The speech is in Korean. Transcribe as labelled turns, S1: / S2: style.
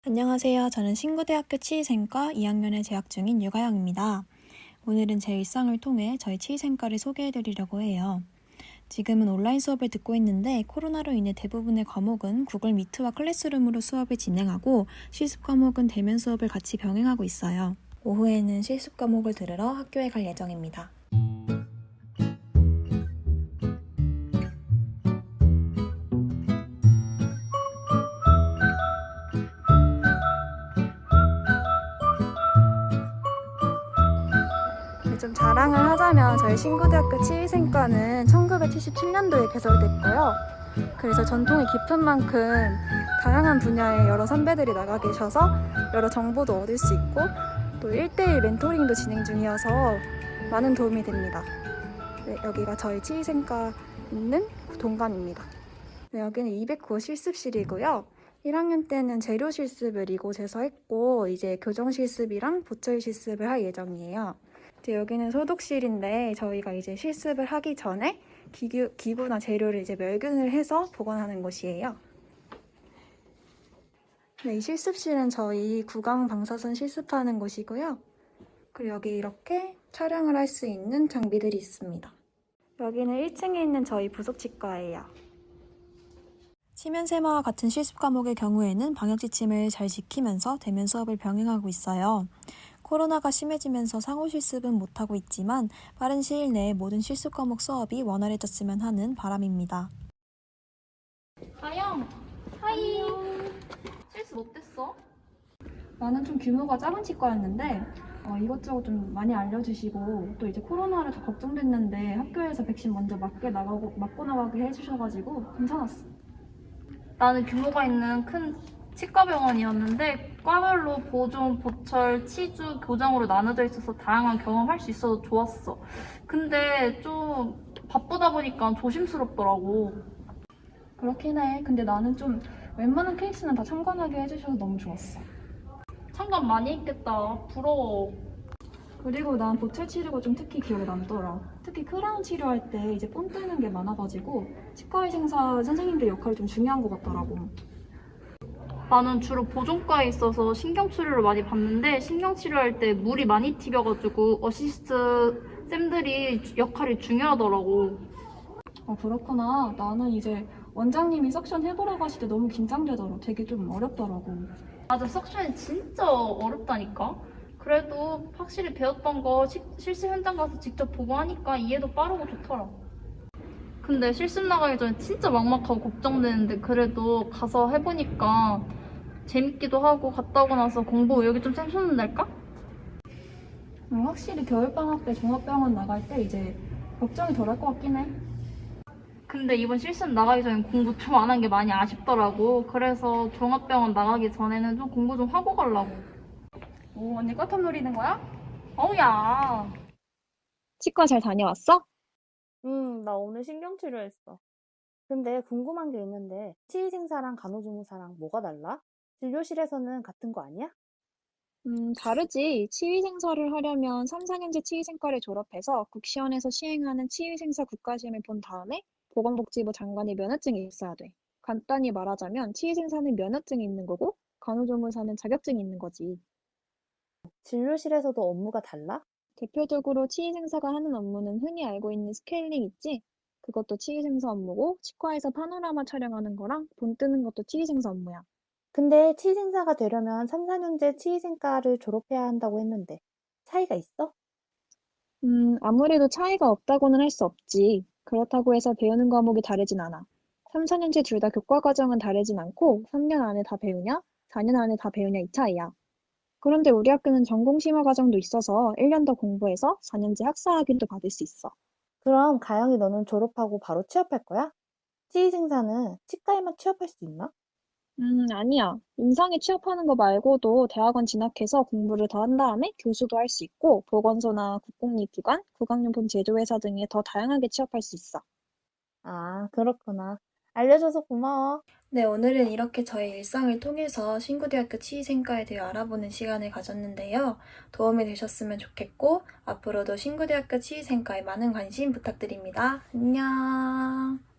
S1: 안녕하세요. 저는 신구대학교 치의생과 2학년에 재학 중인 유가영입니다. 오늘은 제 일상을 통해 저희 치의생과를 소개해드리려고 해요. 지금은 온라인 수업을 듣고 있는데 코로나로 인해 대부분의 과목은 구글 미트와 클래스룸으로 수업을 진행하고 실습 과목은 대면 수업을 같이 병행하고 있어요. 오후에는 실습 과목을 들으러 학교에 갈 예정입니다. 좀 자랑을 하자면 저희 신구대학교 치의생과는 1977년도에 개설됐고요. 그래서 전통이 깊은 만큼 다양한 분야의 여러 선배들이 나가 계셔서 여러 정보도 얻을 수 있고 또 1대1 멘토링도 진행 중이어서 많은 도움이 됩니다. 네, 여기가 저희 치의생과 있는 동감입니다. 네, 여기는 209호 실습실이고요. 1학년 때는 재료 실습을 이곳에서 했고 이제 교정 실습이랑 보철 실습을 할 예정이에요. 여기는 소독실인데 저희가 이제 실습을 하기 전에 기구나 재료를 이제 멸균을 해서 보관하는 곳이에요. 네, 이 실습실은 저희 구강 방사선 실습하는 곳이고요. 그리고 여기 이렇게 촬영을 할 수 있는 장비들이 있습니다. 여기는 1층에 있는 저희 부속치과예요. 치면세마와 같은 실습 과목의 경우에는 방역 지침을 잘 지키면서 대면 수업을 병행하고 있어요. 코로나가 심해지면서 상호 실습은 못하고 있지만 빠른 시일 내에 모든 실습 과목 수업이 원활해졌으면 하는 바람입니다.
S2: 가영! 하이! 실습 어땠어?
S1: 나는 좀 규모가 작은 치과였는데 이것저것 좀 많이 알려주시고 또 이제 코로나를 더 걱정됐는데 학교에서 백신 먼저 맞고 나가게 해주셔가지고 괜찮았어.
S2: 나는 규모가 있는 큰 치과병원이었는데 과별로 보존, 보철, 치주, 교정으로 나눠져 있어서 다양한 경험할 수 있어서 좋았어. 근데 좀 바쁘다 보니까 조심스럽더라고.
S1: 그렇긴 해. 근데 나는 좀 웬만한 케이스는 다 참관하게 해주셔서 너무 좋았어.
S2: 참관 많이 했겠다. 부러워.
S1: 그리고 난 보철 치료가 좀 특히 기억에 남더라. 특히 크라운 치료할 때 이제 본 뜨는 게 많아가지고 치과의생사 선생님들 역할이 좀 중요한 것 같더라고.
S2: 나는 주로 보존과에 있어서 신경치료를 많이 받는데 신경치료할 때 물이 많이 튀겨가지고 어시스트 쌤들이 역할이 중요하더라고.
S1: 그렇구나. 나는 이제 원장님이 석션 해보라고 하실 때 너무 긴장되더라. 되게 좀 어렵더라고.
S2: 맞아, 석션이 진짜 어렵다니까? 그래도 확실히 배웠던 거 실습 현장 가서 직접 보고 하니까 이해도 빠르고 좋더라. 근데 실습 나가기 전에 진짜 막막하고 걱정되는데 그래도 가서 해보니까 재밌기도 하고 갔다 오고 나서 공부 의욕이 좀 샘솟는달까?
S1: 확실히 겨울방학 때 종합병원 나갈 때 이제 걱정이 덜 할 것 같긴 해.
S2: 근데 이번 실습 나가기 전에 공부 좀 안 한 게 많이 아쉽더라고. 그래서 종합병원 나가기 전에는 좀 공부 좀 하고 가려고.
S1: 오, 언니 꽈탑 노리는 거야?
S2: 어우야.
S1: 치과 잘 다녀왔어?
S3: 나 오늘 신경치료했어. 근데 궁금한 게 있는데, 치의생사랑 간호조무사랑 뭐가 달라? 진료실에서는 같은 거 아니야?
S4: 다르지. 치위생사를 하려면 3, 4년제 치위생과를 졸업해서 국시원에서 시행하는 치위생사 국가시험을 본 다음에 보건복지부 장관의 면허증이 있어야 돼. 간단히 말하자면 치위생사는 면허증이 있는 거고 간호조무사는 자격증이 있는 거지.
S3: 진료실에서도 업무가 달라?
S4: 대표적으로 치위생사가 하는 업무는 흔히 알고 있는 스케일링 있지? 그것도 치위생사 업무고 치과에서 파노라마 촬영하는 거랑 본 뜨는 것도 치위생사 업무야.
S3: 근데 치의생사가 되려면 3, 4년제 치의생과를 졸업해야 한다고 했는데, 차이가 있어?
S4: 아무래도 차이가 없다고는 할 수 없지. 그렇다고 해서 배우는 과목이 다르진 않아. 3, 4년제 둘 다 교과 과정은 다르진 않고 3년 안에 다 배우냐, 4년 안에 다 배우냐 이 차이야. 그런데 우리 학교는 전공 심화 과정도 있어서 1년 더 공부해서 4년제 학사 학위도 받을 수 있어.
S3: 그럼 가영이 너는 졸업하고 바로 취업할 거야? 치의생사는 치과에만 취업할 수 있나?
S4: 아니야. 임상에 취업하는 거 말고도 대학원 진학해서 공부를 더 한 다음에 교수도 할 수 있고 보건소나 국공립기관, 구강용품 제조회사 등에 더 다양하게 취업할 수 있어.
S3: 아, 그렇구나. 알려줘서 고마워.
S1: 네, 오늘은 이렇게 저의 일상을 통해서 신구대학교 치의생과에 대해 알아보는 시간을 가졌는데요. 도움이 되셨으면 좋겠고 앞으로도 신구대학교 치의생과에 많은 관심 부탁드립니다. 안녕.